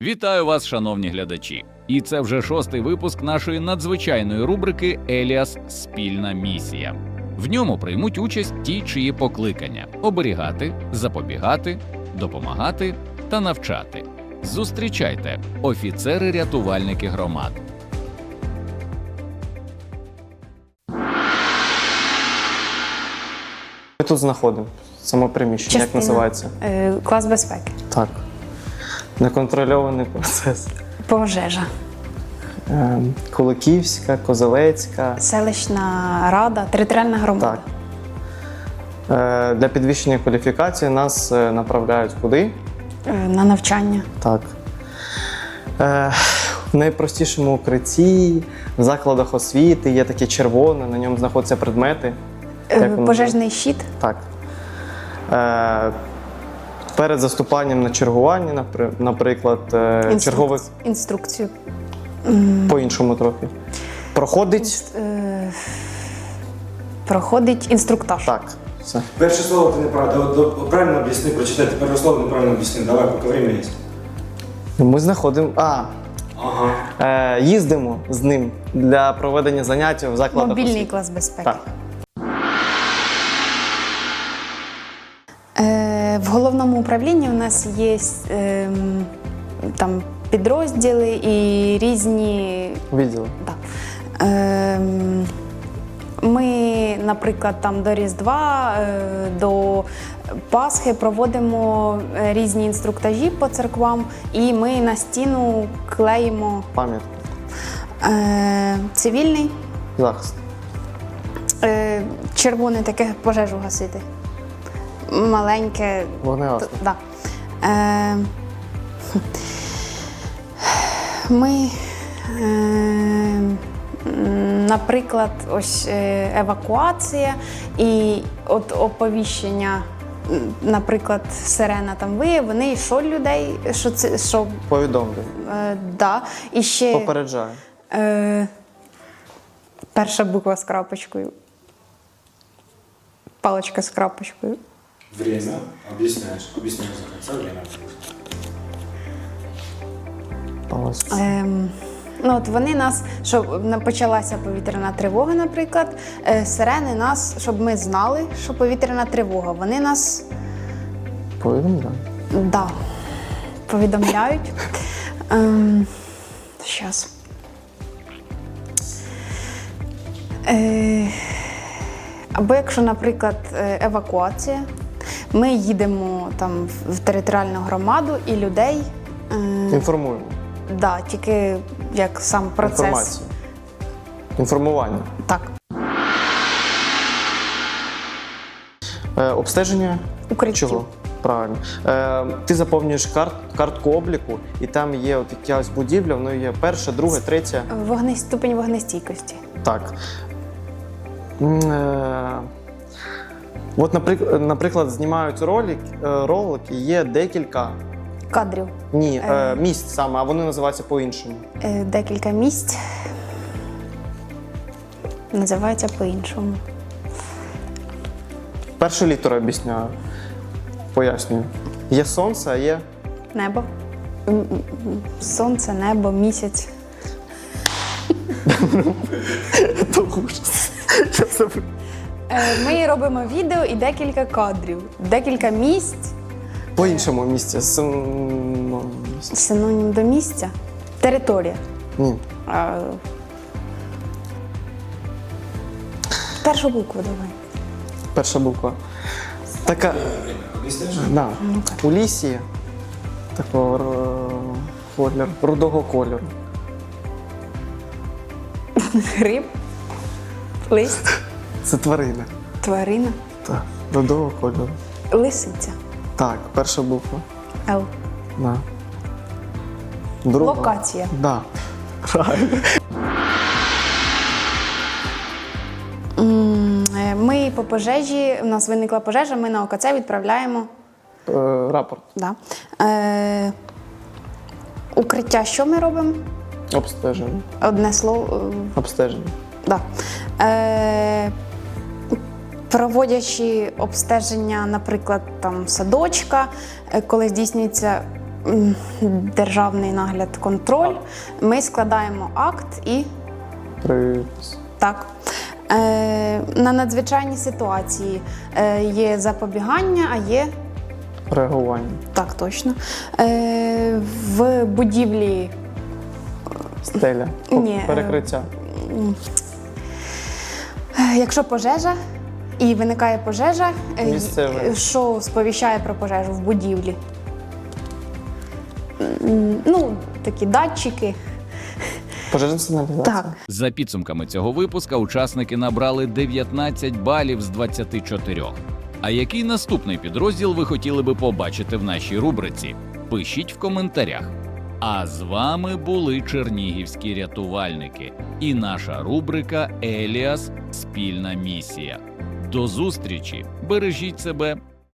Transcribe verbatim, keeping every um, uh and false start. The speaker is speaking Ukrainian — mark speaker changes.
Speaker 1: Вітаю вас, шановні глядачі! І це вже шостий випуск нашої надзвичайної рубрики «Еліас. Спільна місія». В ньому приймуть участь ті, чиї покликання – оберігати, запобігати, допомагати та навчати. Зустрічайте – офіцери-рятувальники громад.
Speaker 2: Ми тут знаходимо само приміщення, як
Speaker 3: Частина.
Speaker 2: називається?
Speaker 3: Е, Клас безпеки.
Speaker 2: Так. Неконтрольований процес.
Speaker 3: Пожежа.
Speaker 2: Е, Куликівська, Козелецька.
Speaker 3: Селищна рада, територіальна громада.
Speaker 2: Так. Е, Для підвищення кваліфікації нас е, направляють куди?
Speaker 3: Е, На навчання.
Speaker 2: Так. Е, В найпростішому укритті, в закладах освіти є таке червоне, на ньому знаходяться предмети.
Speaker 3: Е,
Speaker 2: Як воно
Speaker 3: Пожежний щит.
Speaker 2: Так. Е, Перед заступанням на чергування, напри- наприклад, е,
Speaker 3: Інструк-
Speaker 2: чергових
Speaker 3: Інструкцію.
Speaker 2: по-іншому трохи. Проходить.
Speaker 3: Інст- е, Проходить інструктаж.
Speaker 2: Так. Все.
Speaker 4: Перше слово ти неправильно. Правильно об'ясни, прочитай. Перше слово неправильно об'ясни. Давай, поки время є.
Speaker 2: Ми знаходимо. А,
Speaker 4: Ага.
Speaker 2: е, їздимо з ним для проведення занять в закладах.
Speaker 3: Мобільний
Speaker 2: освіти.
Speaker 3: клас безпеки.
Speaker 2: Так.
Speaker 3: Е, В головному управлінні у нас є ем, там підрозділи і різні.
Speaker 2: Відділи.
Speaker 3: Так. Ем, Ми, наприклад, там до Різдва, е, до Пасхи проводимо е, різні інструктажі по церквам, і ми на стіну клеїмо
Speaker 2: Пам'ятка.
Speaker 3: е, цивільний,
Speaker 2: Захист.
Speaker 3: е, червоне таке пожежу гасити. Маленьке.
Speaker 2: Вогнегасник.
Speaker 3: Т- Да. Е, Ми, е, м, наприклад, ось е, евакуація і от оповіщення, м, наприклад, сирена там виє, вони що людей, що це, що,
Speaker 2: Повідомлю.
Speaker 3: е, да, і ще
Speaker 2: Попереджаю.
Speaker 3: е, перша буква з крапочкою, паличка з крапочкою.
Speaker 4: Время. Об'ясняєш. Об'ясняєш за конца время.
Speaker 2: Ось.
Speaker 3: Ем, ну от вони нас, щоб на- почалася повітряна тривога, наприклад, е, сирени нас, щоб ми знали, що повітряна тривога. Вони нас
Speaker 2: Повідомляю.
Speaker 3: да, повідомляють. Ем, щас. Е, або якщо, наприклад, е, евакуація, ми їдемо там в територіальну громаду і людей. е,
Speaker 2: Інформуємо.
Speaker 3: Да, тільки як сам процес.
Speaker 2: Інформацію. Інформування.
Speaker 3: Так,
Speaker 2: Е, обстеження.
Speaker 3: укриттів.
Speaker 2: Чого? Правильно. Е, ти заповнюєш карт, картку обліку, і там є от якась будівля, воно є перша, друга, третя.
Speaker 3: Вогне, ступень вогнестійкості.
Speaker 2: Так. М, Е, от, наприклад, наприклад, знімають ролик, е, ролик, і є декілька.
Speaker 3: Кадрів.
Speaker 2: Ні, е,
Speaker 3: Е.
Speaker 2: місць саме, а вони називаються по-іншому.
Speaker 3: Е, декілька місць. Називається по-іншому.
Speaker 2: Першу літеру об'ясняю. Пояснюю. Є сонце, а є.
Speaker 3: Небо. М, м, м, Сонце, небо, місяць.
Speaker 2: То ужас.
Speaker 3: Е, ми робимо відео і декілька кадрів. Декілька місць.
Speaker 2: По-іншому місце. Син-
Speaker 3: Синонім до місця. Територія.
Speaker 2: Ні.
Speaker 3: Е, Першу букву давай.
Speaker 2: Перша буква. Така.
Speaker 4: Об'ясняєш?
Speaker 2: Да. У лісі такого р- кольору, рудого кольору.
Speaker 3: Гриб. Лист.
Speaker 2: Це тварина.
Speaker 3: Тварина.
Speaker 2: Так. Рудого кольору.
Speaker 3: Лисиця.
Speaker 2: Так, перша буква.
Speaker 3: Л.
Speaker 2: Да. Друга.
Speaker 3: Локація.
Speaker 2: Да. Правильно.
Speaker 3: М, е, Ми по пожежі, у нас виникла пожежа, ми на О Ка Це відправляємо.
Speaker 2: Е, рапорт.
Speaker 3: Да. Е, укриття, що ми робимо?
Speaker 2: Обстеження.
Speaker 3: Одне слово. е,
Speaker 2: Обстеження.
Speaker 3: Да. Е, проводячи обстеження, наприклад, там садочка, е, коли здійснюється м, державний нагляд, контроль. Ми складаємо акт і
Speaker 2: Припис.
Speaker 3: так. Е, на надзвичайні ситуації е, є запобігання, а є
Speaker 2: Реагування.
Speaker 3: так точно. Е, в будівлі
Speaker 2: Стеля.
Speaker 3: Ні, е,
Speaker 2: Перекриття.
Speaker 3: Е, Якщо пожежа і виникає пожежа, е,
Speaker 2: Місцевий.
Speaker 3: е, що сповіщає про пожежу в будівлі? М, Ну, такі датчики.
Speaker 2: Пожежна сигналізація.
Speaker 3: Так.
Speaker 1: За підсумками цього випуска учасники набрали дев'ятнадцять балів з двадцяти чотирьох. А який наступний підрозділ ви хотіли би побачити в нашій рубриці? Пишіть в коментарях. А з вами були чернігівські рятувальники і наша рубрика «Еліас. Спільна місія». До зустрічі! Бережіть себе